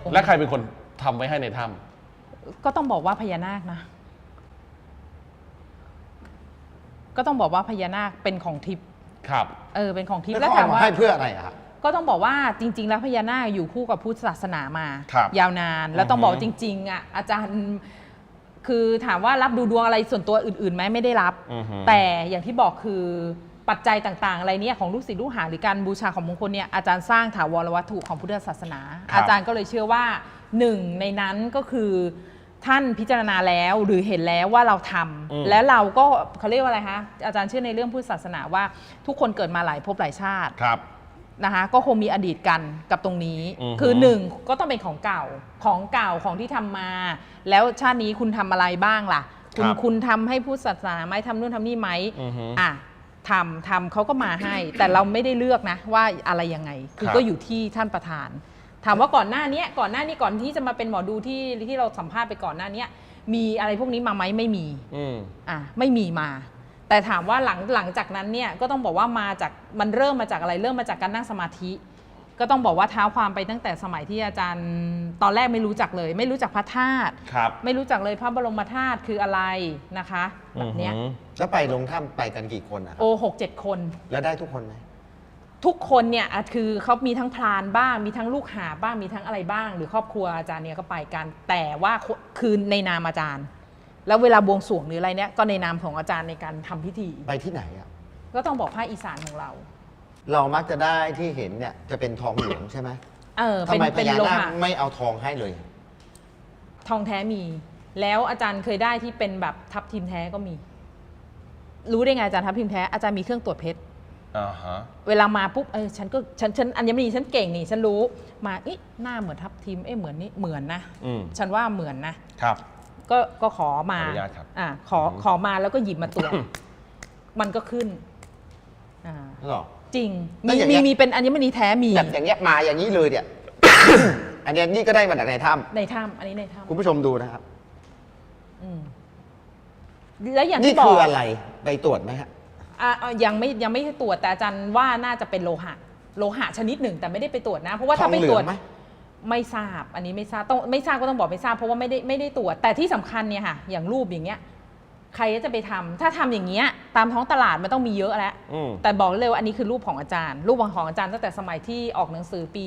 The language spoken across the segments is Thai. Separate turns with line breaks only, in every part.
และใครเป็นคนทำไว้ให้ในถ้
ำก็ต้องบอกว่าพญานาคนะก็ต้องบอกว่าพญานาคเป็นของทิพย์
ครับ
เป็นของทิพย์
แล้วถามว่าให้เพื่ออะไรอะครับ
ก็ต้องบอกว่าจริงๆแล้วพญานาคอยู่คู่กับพุทธศาสนามายาวนานแล้วต้องบอกจริงๆอ่ะอาจารย์คือถามว่ารับดูดวงอะไรส่วนตัวอื่นๆไหมไม่ได้รับแต่อย่างที่บอกคือปัจจัยต่างๆอะไรเนี่ยของลูกศิษย์ลูกหาหรือการบูชาของมงคลเนี่ยอาจารย์สร้างถาวรวัตถุของพุทธศาสนาอาจารย์ก็เลยเชื่อว่าหนึ่งในนั้นก็คือท่านพิจารณาแล้วหรือเห็นแล้วว่าเราทำแล้วเราก็เขาเรียกว่าอะไรคะอาจารย์เชื่อในเรื่องพุทธศาสนาว่าทุกคนเกิดมาหลายภพหลายชาตินะคะก็คงมีอดีตกันกับตรงนี้คือหนึ่งก็ต้องเป็นของเก่าของที่ทำมาแล้วชาตินี้คุณทำอะไรบ้างล่ะคุณทำให้พุทธศาสนาไหมทำนู่นทำนี่ไหมทำเขาก็มาให้แต่เราไม่ได้เลือกนะว่าอะไรยังไงคือก็อยู่ที่ท่านประธานถามว่าก่อนหน้านี้ก่อนที่จะมาเป็นหมอดูที่เราสัมภาษณ์ไปก่อนหน้านี้มีอะไรพวกนี้มาไหมไม่มีไม่มีมาแต่ถามว่าหลังจากนั้นเนี่ยก็ต้องบอกว่ามันเริ่มมาจากอะไรเริ่มมาจากการนั่งสมาธิก็ต้องบอกว่าเท้าความไปตั้งแต่สมัยที่อาจารย์ตอนแรกไม่รู้จักเลยไม่รู้จักพระธาตุไม่รู้จักเลยพระบรมธาตุคืออะไรนะคะแบบเนี้ย
แล้วไปลงถ้ำไปกันกี่คนอะครับ
6-7 คน
แล้วได้ทุกคนไหม
ทุกคนเนี่ยคือเขามีทั้งพรานบ้างมีทั้งลูกหาบ้างมีทั้งอะไรบ้างหรือครอบครัวอาจารย์เนี่ยก็ไปกันแต่ว่าคือในนามอาจารย์แล้วเวลาบวงสรวงหรืออะไรเนี่ยก็ในนามของอาจารย์ในการทำพิธี
ไปที่ไหนอ่ะ
ก็ต้องบอกภาคอีสานของเรา
มักจะได้ที่เห็นเนี่ยจะเป็นทองเหลืองใช่ไหมทำไมพญานาคไม่เอาทองให้เลย
ทองแท้มีแล้วอาจารย์เคยได้ที่เป็นแบบทับทิมแท้ก็มีรู้ได้ไงอาจารย์ทับทิมแท้อาจารย์มีเครื่องตรวจเพชรเวลามาปุ๊บฉันอัญมณีฉันเก่งนี่ฉันรู้มาหน้าเหมือนทับทิมเหมือนนี่เหมือนนะฉันว่าเหมือนนะครับก็ขอมาขอมาแล้วก็หยิบมาตรวจมันก็ขึ้นจริงมีเป็นอัญมณีแท้มี
แบบอย่างเงี้ยมาอย่างนี้เลยเนี่ย อันนี้นี่ก็ได้มาจากในถ้ำ
อันนี้ในถ้ำ
คุณผู้ชมดูนะครับ
แล้วอย่างที่บอก
นี่คืออะไรไปตรวจไหมฮะ
ยังไม่ตรวจแต่อาจารย์ว่าน่าจะเป็นโลหะชนิดหนึ่งแต่ไม่ได้ไปตรวจนะเพราะว่าถ้าไปตรวจไม่ทราบอันนี้ไม่ทราบก็ต้องบอกไม่ทราบเพราะว่าไม่ได้ตรวจแต่ที่สำคัญเนี่ยค่ะอย่างรูปอย่างเงี้ยใครจะไปทำถ้าทำอย่างเงี้ยตามท้องตลาดมันต้องมีเยอะแล้วแต่บอกเลยว่าอันนี้คือรูปของอาจารย์รูปของอาจารย์ตั้งแต่สมัยที่ออกหนังสือปี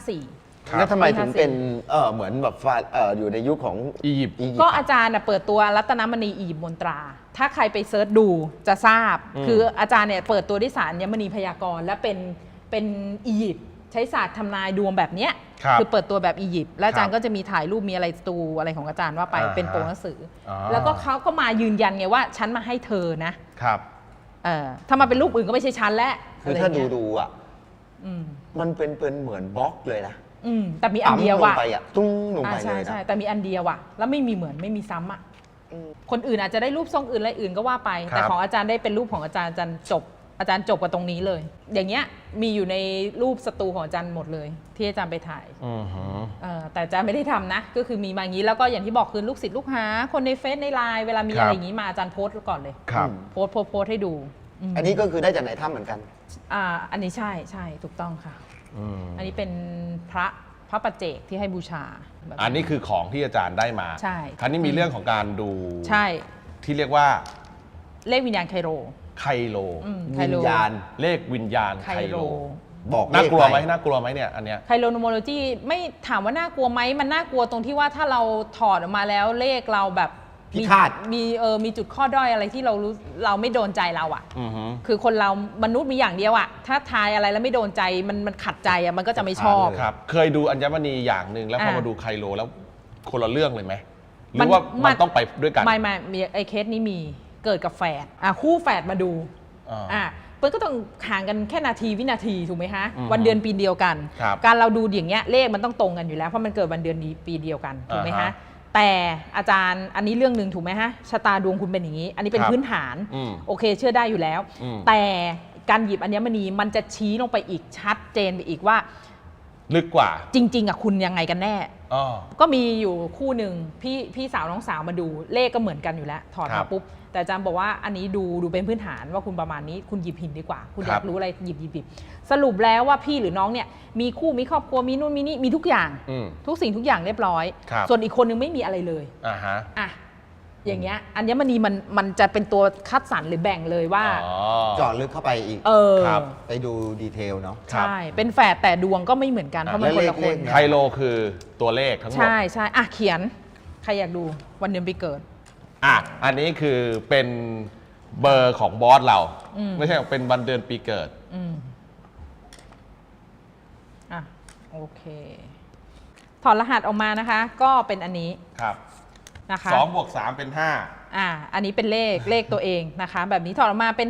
54
แล้วทำไมถึงเป็นเหมือนแบบอยู่ในยุคของ
อียิปต์
ก็อาจารย์เปิดตัวรัตนมณีอียิปต์มนตราถ้าใครไปเซิร์ชดูจะทราบคืออาจารย์เนี่ยเปิดตัวด้วยศาสตร์อัญมณีพยากรณ์และเป็นอียิปต์ใช้ศาสตร์ทำนายดวงแบบเนี้ยคือเปิดตัวแบบอียิปต์และอาจารย์ก็จะมีถ่ายรูปมีอะไรตูอะไรของอาจารย์ว่าไปเป็นโปรหนังสือแล้วก็เขาก็มายืนยันไงว่าฉันมาให้เธอนะครับถ้ามาเป็นรูปอื่นก็ไม่ใช่ฉันแล้ว
คือถ้าดูอ่ะมันเป็นเหมือนบล็อกเลยนะ
แต่มีอันเดียวว่ะ
ตุ้งลงไปเลย
ใช่แต่มีอันเดียวว่ะแล้วไม่มีเหมือนไม่มีซ้ำอ่ะคนอื่นอาจจะได้รูปทรงอื่นอะไรอื่นก็ว่าไปแต่ของอาจารย์ได้เป็นรูปของอาจารย์จบกับตรงนี้เลย อย่างเงี้ยมีอยู่ในรูปสตูของอาจารย์หมดเลยที่อาจารย์ไปถ่ายแต่อาจารย์ไม่ได้ทำนะก็คือมีมาอย่างนี้แล้วก็อย่างที่บอกคือลูกศิษย์ลูกหาคนในเฟซในไลน์เวลามีอะไรอย่างนี้มาอาจารย์โพสต์ก่อนเลยโพสต์ให้ดู
อันนี้ก็คือได้จากในถ้ำเหมือนกัน
อันนี้ใช่ถูกต้องค่ะอันนี้เป็นพระปัจเจกที่ให้บูชา
อันนี้คือของที่อาจารย์ได้มา
ใช่
คราวนี้มีเรื่องของการดู
ใช่
ที่เรียกว่า
เลขวิญญาณไคโร
วิญญาณ
เลขวิญญาณไคโร
บอก
น่ากลัวไหมเนี่ยอันเนี้ย
ไคโรโนโมโลจีไม่ถามว่าน่ากลัวไหมมันน่ากลัวตรงที่ว่าถ้าเราถอดออกมาแล้วเลขเราแบบ
พิฆาต
มีจุดข้อด้อยอะไรที่เราไม่โดนใจเราอ่ะคือคนเรามนุษย์มีอย่างเดียวอ่ะถ้าทายอะไรแล้วไม่โดนใจมันขัดใจอ่ะมันก็จะไม่ชอบ
ครับเคยดูอัญมณีอย่างหนึ่งแล้วพอมาดูไคโรแล้วคนละเรื่องเลยไหมหรือว่ามันต้องไปด้วยกัน
ไม่ไอเคสนี้มีเกิดกับแฝดคู่แฝดมาดูมันก็ต้องห่างกันแค่วินาทีถูกไหมฮะวันเดือนปีเดียวกันการเราดูอย่างเงี้ยเลขมันต้องตรงกันอยู่แล้วเพราะมันเกิดวันเดือนปีเดียวกันถูกไหมฮะแต่อาจารย์อันนี้เรื่องหนึ่งถูกไหมฮะชะตาดวงคุณเป็นอย่างนี้อันนี้เป็นพื้นฐานโอเคเชื่อได้อยู่แล้วแต่การหยิบอัญมณีมันจะชี้ลงไปอีกชัดเจนไปอีกว่า
ลึกกว่า
จริง ๆอ่ะคุณยังไงกันแน่
อ๋อ
ก็มีอยู่คู่หนึ่งพี่สาวน้องสาวมาดูเลขก็เหมือนกันอยู่แล้วถอด
ครั
มา
บ
ปุ๊บแต่อาจารย์บอกว่าอันนี้ดูเป็นพื้นฐานว่าคุณประมาณนี้คุณหยิบหินดีกว่า คุณอยากรู้อะไรหยิบสรุปแล้วว่าพี่หรือน้องเนี่ยมีคู่มีครอบครัวมีนู่นมีนี่มีทุกอย่าง ทุกสิ่งทุกอย่างเรียบร้อย ส่วนอีกคนนึงไม่มีอะไรเลยอ่ะอย่างเงี้ยอัญมณีมันจะเป็นตัวคัดสรรหรือแบ่งเลยว่า
เจาะลึกเข้าไปอีก ไปดูดีเทลเนาะ
ใช่เป็นแฝดแต่ดวงก็ไม่เหมือนกันเพราะมันคนละคน
ไคโลคือตัวเลขทั้งหมด
ใช่อ่ะเขียนใครอยากดูวันเดือนปีเกิด
อันนี้คือเป็นเบอร์ของบอสเราไม่ใช่เป็นวันเดือนปีเกิด
โอเคถอดรหัสออกมานะคะก็เป็นอันนี้
ครับ
นะคะ
2 บวก 3 เป็น 5
อันนี้เป็นเลขตัวเองนะคะแบบนี้ถอดออกมาเป็น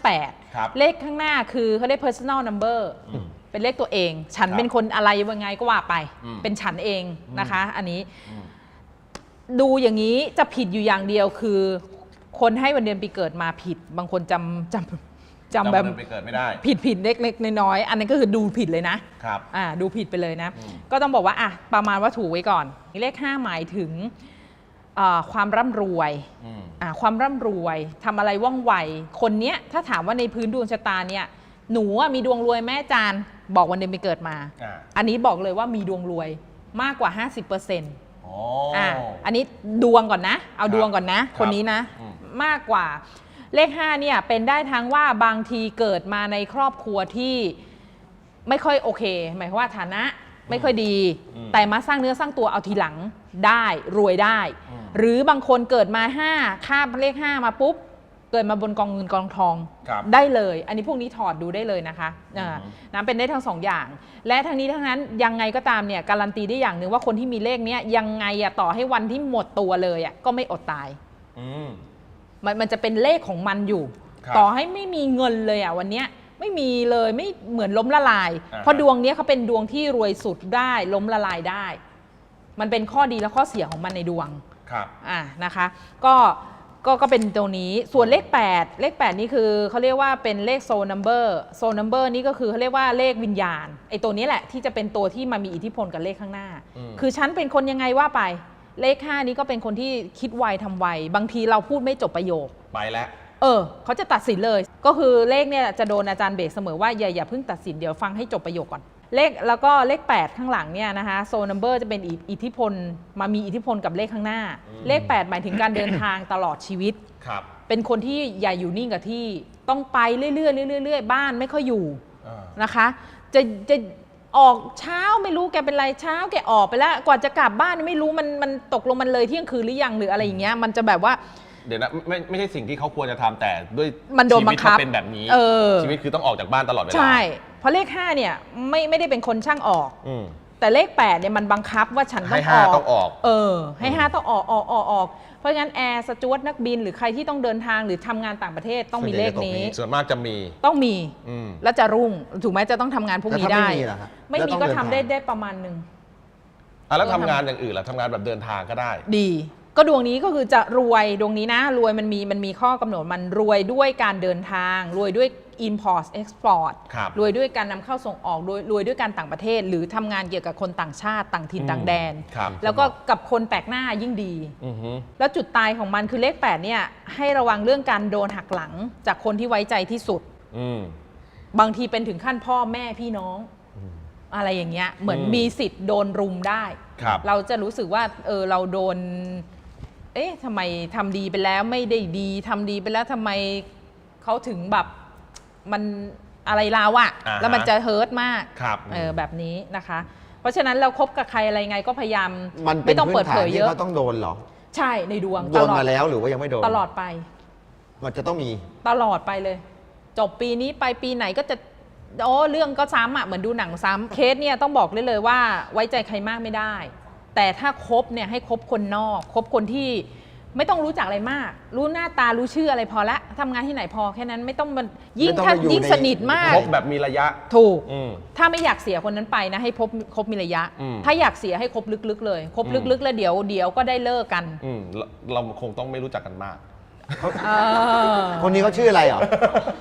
5/8เลขข้างหน้าคือเขาเรียก personal number เป็นเลขตัวเองฉันเป็นคนอะไรยังไงก็ว่าไปเป็นฉันเองนะคะอันนี้ดูอย่างนี้จะผิดอยู่อย่างเดียวคือคนให้วันเดือนปีเกิดมาผิดบางคนจำแบบ
ไปเกิดไม่ได้
ผิดเล็กๆน้อยๆอันนั้นก็คือดูผิดเลยนะครับดูผิดไปเลยนะก็ต้องบอกว่าประมาณว่าถูกไว้ก่อนเลข5หมายถึงความร่ำรวยความร่ำรวยทำอะไรว่องไวคนเนี้ยถ้าถามว่าในพื้นดวงชะตาเนี่ยหนูมีดวงรวยแม่อาจารย์บอกวันเดือนปีเกิดมาอันนี้บอกเลยว่ามีดวงรวยมากกว่า 50%อันนี้ดวงก่อนนะเอาดวงก่อนนะคนนี้นะมากกว่าเลข5เนี่ยเป็นได้ทั้งว่าบางทีเกิดมาในครอบครัวที่ไม่ค่อยโอเคหมายความว่าฐานะไม่ค่อยดีแต่มาสร้างเนื้อสร้างตัวเอาทีหลังได้รวยได้หรือบางคนเกิดมา5ข้ามเลข5มาปุ๊บเกิดมาบนกองเงินกองทองได้เลยอันนี้พวกนี้ถอดดูได้เลยนะคะนะเป็นได้ทั้ง2อย่างและทั้งนี้ทั้งนั้นยังไงก็ตามเนี่ยการันตีได้อย่างหนึ่งว่าคนที่มีเลขนี้ยังไงต่อให้วันที่หมดตัวเลยก็ไม่อดตายมันจะเป็นเลขของมันอยู่ต่อให้ไม่มีเงินเลยวันนี้ไม่มีเลยไม่เหมือนล้มละลายเพราะดวงนี้เขาเป็นดวงที่รวยสุดได้ล้มละลายได้มันเป็นข้อดีและข้อเสียของมันในดวงนะคะก็เป็นตัวนี้ส่วนเลข8นี่คือเขาเรียกว่าเป็นเลขโซลนัมเบอร์นี่ก็คือเขาเรียกว่าเลขวิญญาณไอ้ตัวนี้แหละที่จะเป็นตัวที่มามีอิทธิพลกับเลขข้างหน้าคือฉันเป็นคนยังไงว่าไปเลข5นี้ก็เป็นคนที่คิดไวทำไวบางทีเราพูดไม่จบประโยค
ไปแล้ว
เขาจะตัดสินเลยก็คือเลขเนี่ยจะโดนอาจารย์เบรกเสมอว่าอย่าเพิ่งตัดสินเดี๋ยวฟังให้จบประโยคก่อนเลขแล้วก็เลข8ข้างหลังเนี่ยนะคะโซนัมเบอร์จะเป็นอิทธิพลมามีอิทธิพลกับเลขข้างหน้าเลข8หมายถึงการเดินทางตลอดชีวิตเป็นคนที่อย่าอยู่นิ่งกับที่ต้องไปเรื่อยๆบ้านไม่ค่อยอยู่นะคะจะออกเช้าไม่รู้แกเป็นไรเช้าแกออกไปแล้วกว่าจะกลับบ้านไม่รู้มันตกลงมันเลยเที่ยงคืนหรือยังหรืออะไรอย่างเงี้ยมันจะแบบว่า
เดี๋ยวนะไม่ใช่สิ่งที่เขาควรจะทำแต่ด้วย
มันโดนบังคับ
เป็นแบบนี้ชีวิตคือต้องออกจากบ้านตลอดเวลา
ใช่เพราะเลข5เนี่ยไม่ได้เป็นคนช่างออกแต่เลข8เนี่ยมันบังคับว่าฉันต้องออก
ต้องออก
ให้5ต้องออกเพราะงั้นแอร์สจ๊วตนักบินหรือใครที่ต้องเดินทางหรือทำงานต่างประเทศต้องมีเลขนี้
ส่วนมากจะมี
ต้องมีแล้วจะรุ่งถูกไหมจะต้องทำงานพวกนี้ได้ไม่มีก็ทำได้ประมาณนึง
แล้วทำงานอย่างอื่นล่ะทำงานแบบเดินทางก็ได้
ดีก็ดวงนี้ก็คือจะรวยดวงนี้นะรวยมันมีข้อกำหนดมันรวยด้วยการเดินทางรวยด้วย import export รวยด้วยการนำเข้าส่งออกรวยด้วยการต่างประเทศหรือทำงานเกี่ยวกับคนต่างชาติต่างถิ่นต่างแดนแล้วก็กับคนแปลกหน้ายิ่งดีแล้วจุดตายของมันคือเลข8เนี่ยให้ระวังเรื่องการโดนหักหลังจากคนที่ไว้ใจที่สุดบางทีเป็นถึงขั้นพ่อแม่พี่น้องอะไรอย่างเงี้ยเหมือนมีสิทธิ์โดนรุมได้เราจะรู้สึกว่าเราโดนทำไมทำดีไปแล้วไม่ได้ดีทำดีไปแล้วทำไมเขาถึงแบบมันอะไรเราอะแล้วมันจะเฮิร์ตมากแบบนี้นะคะเพราะฉะนั้นเราคบกับใครอะไรไงก็พยายามไม่ต้องเปิดเผยเยอะ
เขาต้องโดนหรอ
ใช่ในดวง
โดนมาแล้วหรือว่ายังไม่โดน
ตลอดไป
มันจะต้องมี
ตลอดไปเลยจบปีนี้ไปปีไหนก็จะเรื่องก็ซ้ำอะเหมือนดูหนังซ้ำเคสเนี่ยต้องบอกเลยว่าไว้ใจใครมากไม่ได้แต่ถ้าคบเนี่ยให้คบคนนอกคบคนที่ไม่ต้องรู้จักอะไรมากรู้หน้าตารู้ชื่ออะไรพอละทำงานที่ไหนพอแค่นั้นไม่ต้องมันยิ่งสนิทมาก
คบแบบมีระยะ
ถูกถ้าไม่อยากเสียคนนั้นไปนะให้คบมีระยะถ้าอยากเสียให้คบลึกๆเลยคบลึกๆแล้วเดี๋ยวก็ได้เลิกกัน
เราคงต้องไม่รู้จักกันมาก
คนนี้เขาชื่ออะไรเหรอ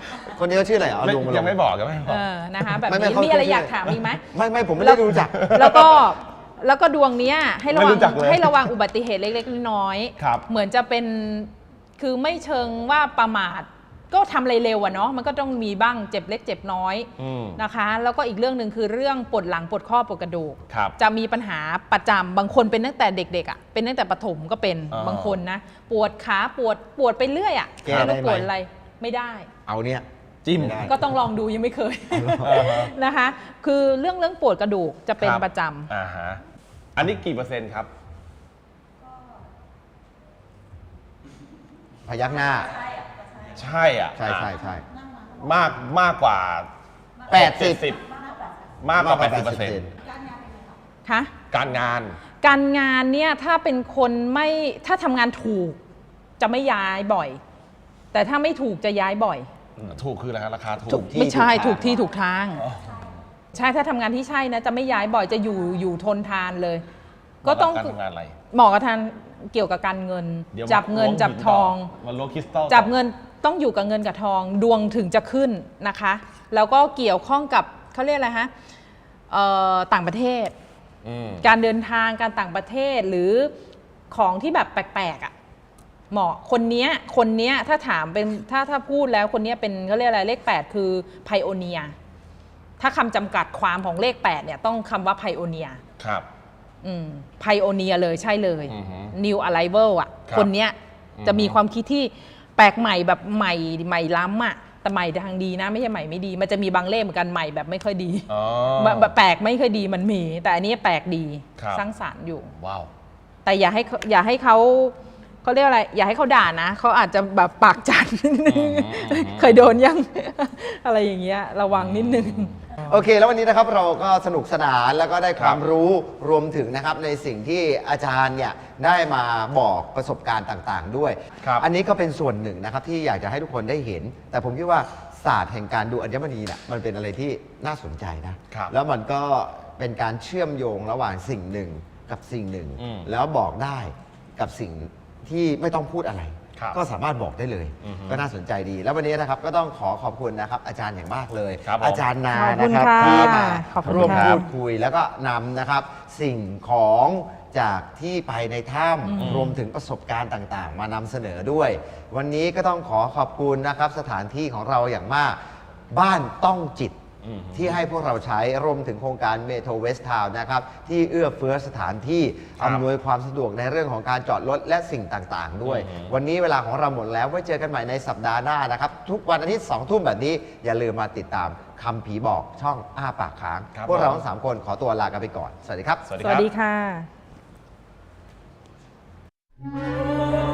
คนนี้เขาชื่ออะไรอ๋อลุง
ยังไม่บอกยังไม่บอก
นะคะแบบ
ไม่
นี้
เขา
มีอะไร
ชื่อ
อยากถามอีกไหม
ไม่ผมไม่ได้รู้จัก
แล้วก็ดวงเนี้ยให้ระวั
ไม่
ง
รู้จักเลย
ให้ระวังอุบัติเหตุเล็กๆน้อย
ครับ
เหมือนจะเป็นคือไม่เชิงว่าประมาทก็ทำอะไรเร็วอะเนาะมันก็ต้องมีบ้างเจ็บเล็กเจ็บน้อยนะคะ แล้วก็อีกเรื่องหนึ่งคือเรื่องปวดหลังปวดข้อปวดกระดูก
ครับ
จะมีปัญหาประจำบางคนเป็นตั้งแต่เด็กๆอะเป็นตั้งแต่ประถมก็เป็น
อ่า
บางคนนะปวดขาปวดไปเรื่อยอะ
แก้ได้ไหม
ปวดอะไรไม่ได้
เอาเนี่ย
จิ้ม
ไม่ได้
ก็ต้องลองดูยังไม่เคย
อ่าฮะ
นะคะ คือเรื่องปวดกระดูกจะเป็น
ครับ
ประจำ
อ่าฮะอันนี้กี่เปอร์เซ็นต์ครับ
พยักหน้า
ใช่อ่ะ
ใช่
มากกว่า
80
มากกว่า 80%
คะ
การงาน
การงานเนี่ยถ้าเป็นคนไม่ถ้าทำงานถูกจะไม่ย้ายบ่อย แต่ถ้าไม่ถูกจะย้ายบ่อย
ถูกคืออะไรครับราคาถู
ถู
ก
ก ที่
ไม่ใช่
ถูกทาง
ถูกที่ถูกทาง ใช่ถ้าทำงานที่ใช่นะจะไม่ย้ายบ่อยจะอยู่ทนทานเลย ก็ต้อง
การทำงานอะไร
เหมาะกับทานเกี่ยวกับการเงิน
เดี๋ยว
จับเงิน
ล้ว
จับทอง
มันล้วงคริสตัล
จับเงินต้องอยู่กับเงินกับทอง ดวงถึงจะขึ้นนะคะ แล้วก็เกี่ยวข้องกับเขาเรียกอะไรฮะต่างประเทศ การเดินทางการต่างประเทศหรือของที่แบบแปลกๆอ่ะเหมาะคนเนี้ยถ้าถามเป็นถ้าพูดแล้วคนเนี้ยเป็นเขาเรียกอะไรเลข 8 คือไพโอเนียถ้าคำจำกัดความของเลข 8เนี่ยต้องคำว่าไพโอเนีย
ครับ
ไพโอเนียเลยใช่เลย
อือฮึ
New Arrival อ่ะ
ครับ
คนเนี้ยจะมีความคิดที่แปลกใหม่แบบใหม่ล้ำอ่ะแต่ใหม่ทางดีนะไม่ใช่ใหม่ไม่ดี มันจะมีบางเลขเหมือนกันใหม่แบบไม่ค่อยดี
อ๋อ
แบบแปลกไม่ค่อยดีมันมี แต่อันนี้แปลกดี
ครับ
สร้างสรรค์อยู่
ว้าว
แต่อย่าให้เขาเรียกอะไรอย่าให้เขาด่านะเขาอาจจะแบบปากจัดนิดนึงเคยโดนยัง อะไรอย่างเงี้ยระวังนิดนึง
โอเค แล้ววันนี้นะครับเราก็สนุกสนานแล้วก็ได้ความ
ครับ
รู้รวมถึงนะครับในสิ่งที่อาจารย์เนี่ยได้มาบอกประสบการณ์ต่างๆ ด้วย
ครับ
อันนี้ก็เป็นส่วนหนึ่งนะครับที่อยากจะให้ทุกคนได้เห็น แต่ผมคิดว่าศาสตร์แห่งการดูอัญมณีเนี่ยมันเป็นอะไรที่น่าสนใจนะครับ แล้วมันก็เป็นการเชื่อมโยงระหว่างสิ่งหนึ่งกับสิ่งหนึ่ง แล้วบอกได้กับสิ่งที่ไม่ต้องพูดอะไร
ครับ
ก็สามารถบอกได้เลย
อือฮึ
ก็น่าสนใจดี แล้ววันนี้นะครับก็ต้องขอบคุณนะครับอาจารย์อย่างมากเลย
ครับผม
อาจารย์นา
ขอบคุ
นะ
ณ
ครับ
ค่ะ
ที่มา
ขอบคุณ
ร่วม
ค่ะ
พูดคุยแล้วก็นำนะครับสิ่งของจากที่ไปในถ้ำรวมถึงประสบการณ์ต่างๆ มานำเสนอด้วย วันนี้ก็ต้องขอบคุณนะครับสถานที่ของเราอย่างมาก บ้านต้องจิตที่ให้พวกเราใช้รวมถึงโครงการเมโทรเวสทาวน์นะครับที่เอื้อเฟื้อสถานที่
ครับ
อำนวยความสะดวกในเรื่องของการจอดรถและสิ่งต่างๆ ด้วย วันนี้เวลาของเราหมดแล้วไว้เจอกันใหม่ในสัปดาห์หน้านะครับทุกวันอาทิตย์2 ทุ่มแบบนี้อย่าลืมมาติดตามคำผีบอกช่องอ้าปากค้าง
ครับ
พวกเรา
ผม
ทั้ง3 คนขอตัวลากันไปก่อน สวัสดีครับ
สวัสดี
ส
ค
วั
รั
ส
บ
ดีค่ะ